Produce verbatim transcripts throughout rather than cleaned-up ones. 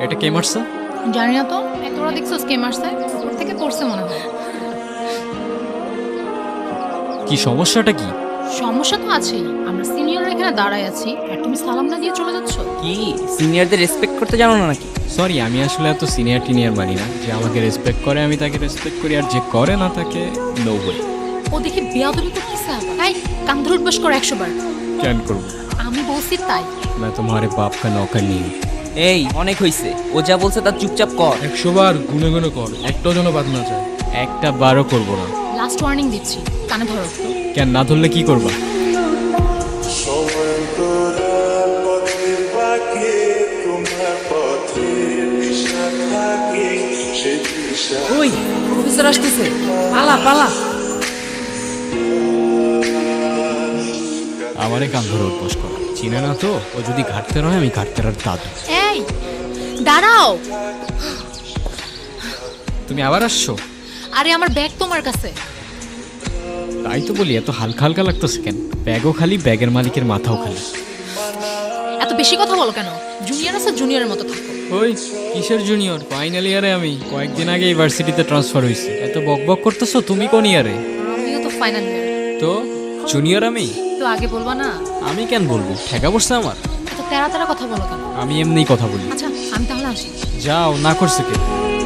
এটা কে মারছে? জানি না তো, তোরা দেখছো কে মারছে? উপর থেকে পড়ছে মনে হয়। কি সমস্যাটা কি? সমস্যা তো আছেই, আমরা সিনিয়ররা এখানে দাঁড়ায় আছি আর তুমি সালাম না দিয়ে চলে যাচ্ছ। কি সিনিয়রদের রেসপেক্ট করতে জানো না নাকি? সরি, আমি আসলে এত সিনিয়র টিনিয়র মানি না। যে আমাকে রেসপেক্ট করে আমি তাকে রেসপেক্ট করি, আর যে করে না তাকে নো ওয়ে। ও দেখি বেয়াদবি করতেছে আবার। এই কান ধরে উঠবাস করো একশো বার। কেন করবো? আমি বলছি তাই। मैं तुम्हारे बाप का नौकर नहीं हूँ। এই অনেক হইছে, ও যা বলছে তার চুপচাপ কর। একশো বার গুনে গুনে কর, একটাও যেন বাদ না যায়। একটা বারও করবো না। লাস্ট ওয়ার্নিং দিচ্ছি, কানে ধরো। কেন না ধরলে কি করবা? ওই প্রফেসর আসতেছে, পালা পালা। আমারে কান ধরে উঠবস করা চিনে না তো? ও যদি ঘাটতে রয় আমি ঘাটতে আর দাদু। এই দাঁড়াও। তুমি আবার আসছো? আরে আমার ব্যাগ তোমার কাছে। তাই তো বলি, এত হালকা হালকা লাগতেছে কেন? ব্যাগও খালি, ব্যাগের মালিকের মাথাও খালি। এত বেশি কথা বলো কেন? জুনিয়র আছে, জুনিয়রের মতো থাকো। ওই কিসের জুনিয়র? ফাইনাল ইয়ারে আমি, কয়েকদিন আগে ইউনিভার্সিটিতে ট্রান্সফার হয়েছি। এত বকবক করতেছো, তুমি কোন ইয়ারে? আমিও তো ফাইনাল ইয়ার। তো জুনিয়র আমি? তো আগে বলবা না? আমি কেন বলবো? ঠেকা পড়ছে আমার। এত তেরা তেরা কথা বলো কেন? আমি এমনিই কথা বলি। আচ্ছা আমি তাহলে আসি। যাও, না করছে কে?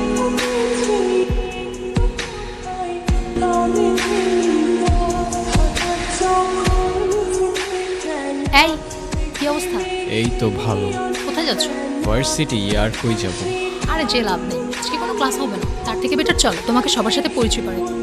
এই কি অবস্থা? এই তো ভালো। কোথায় যাচ্ছ? ভার্সিটি। আর কই যাব? আরে যে লাভ নেই, আজকে কোনো ক্লাস হবে না। তার থেকে বেটার চলো তোমাকে সবার সাথে পরিচয় করে দিই।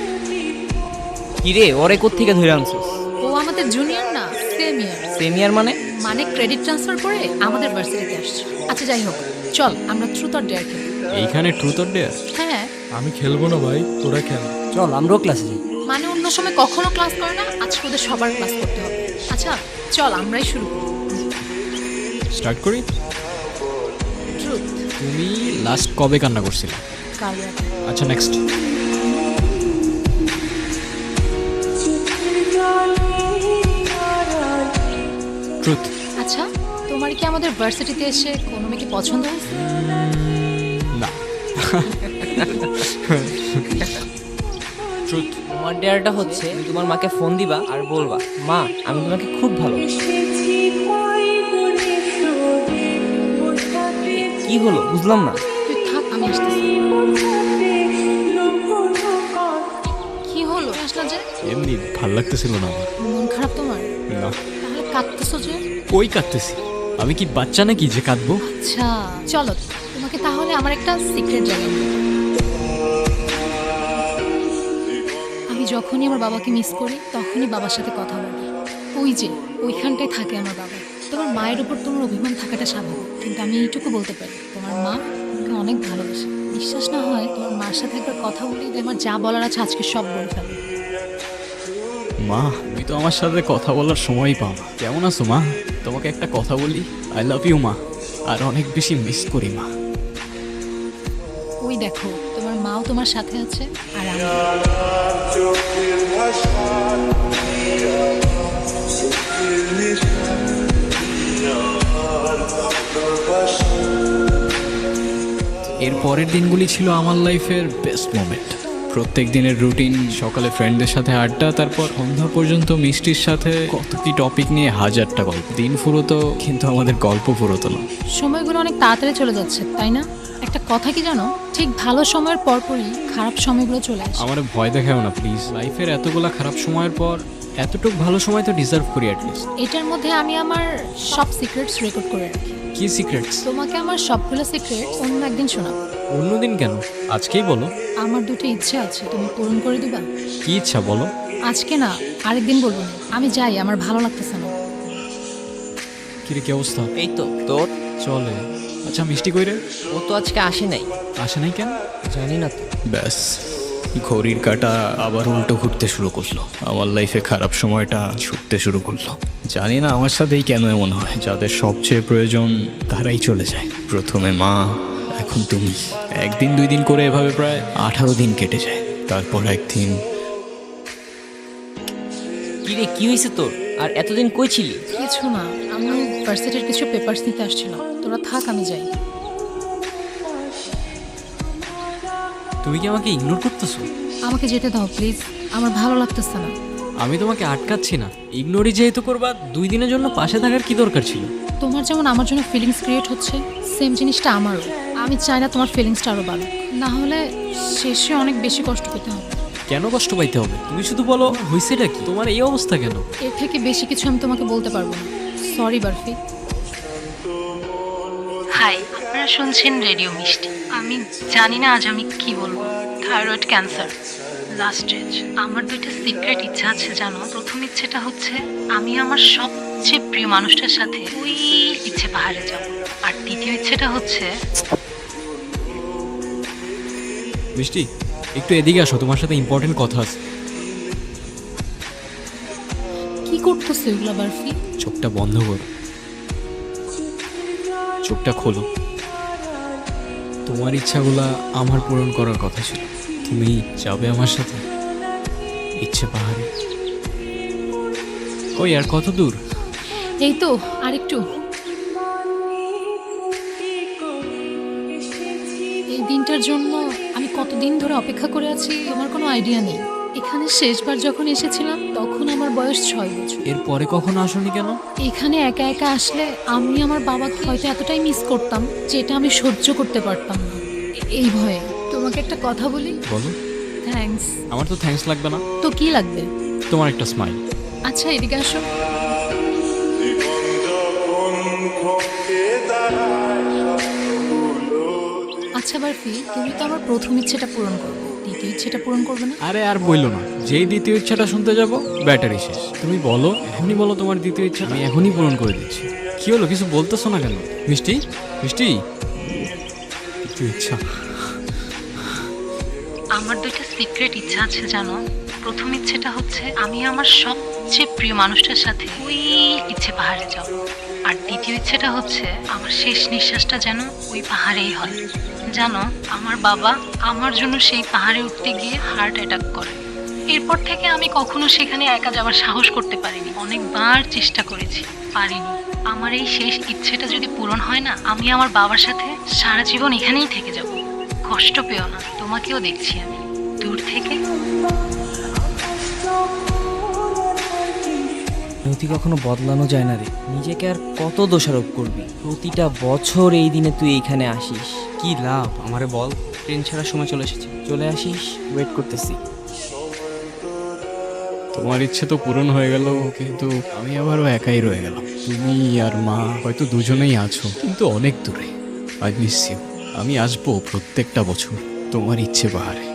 কি রে, ওরে কোত্থেকে ধরে আনছিস? ও আমাদের জুনিয়র না, সেম ইয়ার। সিনিয়র মানে? মানে ক্রেডিট ট্রান্সফার করে আমাদের ভার্সিটিতে আসছে। আচ্ছা যাই হোক, চল আমরা ট্রুথ অর ডেয়ার খেলি। এইখানে ট্রুথ অর ডেয়ার? হ্যাঁ আমি খেলবো না ভাই, তোরা খেল। চল আমরাও ক্লাসে যাই। মানে অন্য সময় কখনো ক্লাস করে না, আজকে ওদের সবার ক্লাস করতে হবে। আচ্ছা চল আমরাই শুরু করি। স্টার্ট করি। ট্রুথ। তুমি লাস্ট কবে কান্না করছিলে? কাল রাতে। আচ্ছা নেক্সট। ট্রুথ। আচ্ছা তোমার কি আমাদের ভার্সিটিতে এসে কোনো মেয়েকে পছন্দ হয়েছে? না। ট্রুথ। তোমার ডেয়ারটা হচ্ছে তুমি তোমার মাকে ফোন দিবা আর বলবা, মা আমি তোমাকে খুব ভালোবাসি। কি হলো বুঝলাম না। তুই থাক, আমি আসতেছি। কি হলো আসলা যে? এমনি ভাল লাগতেছিল না আমার। মন খারাপ তোমার? না। তাহলে কাঁদতেছো যে? কই কাঁদতেছি? আমি কি বাচ্চা নাকি যে কাঁদবো? আচ্ছা চলো তোমাকে তাহলে আমার একটা সিক্রেট জানাই। আমি যখনই আমার বাবাকে মিস করি তখনই বাবার সাথে কথা বলি। ওই যে ওইখানটায় থাকে আমার বাবা। তোমার মায়ের উপর তোমার অভিমান থাকাটা স্বাভাবিক, কিন্তু আমি এইটুকু বলতে পারি তোমার মা তোমাকে অনেক ভালোবাসে। বিশ্বাস না হয় তোমার মার সাথে একবার কথা বলি, আমার যা বলার আছে আজকে সব বলে ফেলো। মা, তুমি তো আমার সাথে কথা বলার সময়ই পাও না। কেমন আছো মা? তোমাকে একটা কথা বলি, আই লাভ ইউ মা। আর অনেক বেশি মিস করি মা। ওই দেখো তোমার মাও তোমার সাথে আছে আর আমি। এর পরের দিনগুলি ছিল আমার লাইফের বেস্ট মোমেন্ট। প্রত্যেক দিনের রুটিন, সকালে ফ্রেন্ডদের সাথে আড্ডা, তারপর সন্ধ্যা পর্যন্ত মিষ্টির সাথে কত কি টপিক নিয়ে হাজারটা গল্প। দিন ফুরোতো কিন্তু আমাদের গল্প ফুরোতো না। সময়গুলো অনেক তাড়াতাড়ি চলে যাচ্ছে তাই না? একটা কথা কি জানো, ঠিক ভালো সময়ের পরপরই খারাপ সময়গুলো চলে আসে। আমার ভয় দেখাও না প্লিজ। লাইফের এতগুলা খারাপ সময়ের পর এতটুক ভালো সময় তো ডিজার্ভ করি অ্যাটলিস্ট। এটার মধ্যে আমি আমার সব সিক্রেটস রেকর্ড করে রাখি। কি সিক্রেটস? তোমাকে আমার সবগুলো সিক্রেটস অন্য একদিন শোনাবো। অন্যদিন কেন? আজকেই বলো। আমার দুটো ইচ্ছে আছে, তুমি পূরণ করে দিবা? কি ইচ্ছা বলো? আজকে না, আরেকদিন বলবো না। আমি যাই, আমার ভালো লাগতেছে না। কিরে কি অবস্থা? এই তো তোর। চলে। আচ্ছা মিষ্টি কই রে? ও তো আজকে আসে নাই। আসে নাই কেন? জানি না তো। ব্যাস, ঘড়ির কাঁটা আবার উল্টো ঘুরতে শুরু করলো। আমার লাইফে খারাপ সময়টা ছুটতে শুরু করলো। জানি না আমার সাথেই কেন এমন হয়। যাদের সবচেয়ে প্রয়োজন তারাই চলে যায়। প্রথমে মা, এখন তুমি। একদিন দুই দিন করে এভাবে প্রায় আঠারো দিন কেটে যায়। তারপর একদিন। কি রে কি হয়েছে তোর? আর এতদিন কই ছিলি? কিছু না, আমি ভার্সিটির কিছু পেপারস নিতে আসছিলাম। তোরা থাক, আমি যাই। তুমি কি আমাকে ইগনোর করতেছো? আমাকে যেতে দাও প্লিজ, আমার ভালো লাগতেছে না। আমি তোমাকে আটকাচ্ছি না, ইগনোরই যেহেতু করবা, দুই দিনের জন্য পাশে থাকার কি দরকার ছিল? তোমার যেমন আমার জন্য ফিলিংস ক্রিয়েট হচ্ছে, সেম জিনিসটা আমারও। আমি চাই না তোমার ফিলিংসটা আরও বাড়ুক, না হলে শেষে অনেক বেশি কষ্ট পেতে হবে। কেন কষ্ট পাইতে হবে? তুমি শুধু বলো হয়েছেটা কি, তোমার এই অবস্থা কেন? এর থেকে বেশি কিছু আমি তোমাকে বলতে পারবো না। সরি বারফি। হাই, আপনারা শুনছেন রেডিও মিষ্টি। আমি জানি না আজ আমি কি বলবো। Thyroid cancer, last stage. আমার দুইটা সিক্রেট ইচ্ছা আছে জানো। প্রথম ইচ্ছেটা হচ্ছে আমি আমার সবচেয়ে প্রিয় মানুষটার সাথে ওই ইচ্ছে পাহাড়ে যাব। আর দ্বিতীয় ইচ্ছেটা হচ্ছে মিষ্টি, একটু এদিকে আসো, তোমার সাথে ইম্পর্টেন্ট কথা আছে। কি করতেছো এগুলো বারফি? চোখটা বন্ধ করো, চোখটা খোলো। তোমার ইচ্ছাগুলা আমার পূরণ করার কথা ছিল। তুমি যাবে আমার সাথে ইচ্ছে পাহাড়ে? ওই আর কত দূর? এই তো আর একটু। এই দিনটার জন্য আমি কতদিন ধরে অপেক্ষা করে আছি আমার কোনো আইডিয়া নেই। এখানে শেষবার যখন এসেছিলাম তখন আমার বয়স ছয় বছর। এর পরে কখনো আসোনি কেন? এখানে একা একা আসলে আমি আমার বাবাকে হয়তো এতটাই মিস করতাম যেটা আমি সহ্য করতে পারতাম না। এ- এই ভয়ে তোমাকে একটা কথা বলি। বলো। থ্যাঙ্কস। আমার তো থ্যাঙ্কস লাগবে না, তো কি লাগবে? তোমার একটা স্মাইল। আচ্ছা এদিকে আসো। আচ্ছা বারফি, তুমি তো আমার প্রথম ইচ্ছেটা পূরণ করবে, দ্বিতীয় ইচ্ছেটা পূরণ করবে না? আরে আর বইলো না, যেই দ্বিতীয় ইচ্ছাটা শুনতে যাব ব্যাটারি শেষ। তুমি বলো, এখনই বলো তোমার দ্বিতীয় ইচ্ছা, আমি এখনই পূরণ করে দিচ্ছি। কি হলো, কিছু বলতেছো না কেন? মিষ্টি, মিষ্টি, দ্বিতীয় ইচ্ছা। আমার দুইটা সিক্রেট ইচ্ছা আছে জানো। প্রথম ইচ্ছেটা হচ্ছে আমি আমার সবচেয়ে প্রিয় মানুষটার সাথে ওই ইচ্ছে পাহাড়ে যাব। আর দ্বিতীয় ইচ্ছেটা হচ্ছে আমার শেষ নিঃশ্বাসটা যেন ওই পাহাড়েই হয়। জানো, আমার বাবা আমার জন্য সেই পাহাড়ে উঠতে গিয়ে হার্ট অ্যাটাক করে। এরপর থেকে আমি কখনো সেখানে একা যাওয়ার সাহস করতে পারিনি। অনেকবার চেষ্টা করেছি, পারিনি। আমার এই শেষ ইচ্ছেটা যদি পূরণ হয় না, আমি আমার বাবার সাথে সারা জীবন এখানেই থেকে যাব। কষ্ট পেও না, তোমাকেও দেখছি আমি দূর থেকে। নতি কখনো বদলানো যায় না রে। নিজেকে আর কত দোষারোপ করবি? প্রতিটা বছর এই দিনে তুই এইখানে আসিস, কি লাভ? আমারে বল। ট্রেন ছাড়ার সময় চলে এসেছে, চলে আসিস, ওয়েট করতেছি। তোমার ইচ্ছে তো পূরণ হয়ে গেল, কিন্তু আমি আবারও একাই রয়ে গেলাম। তুমি আর মা হয়তো দুজনেই আছো, কিন্তু অনেক দূরে। I miss you. আমি আসবো প্রত্যেকটা বছর তোমার ইচ্ছে পাহাড়ে।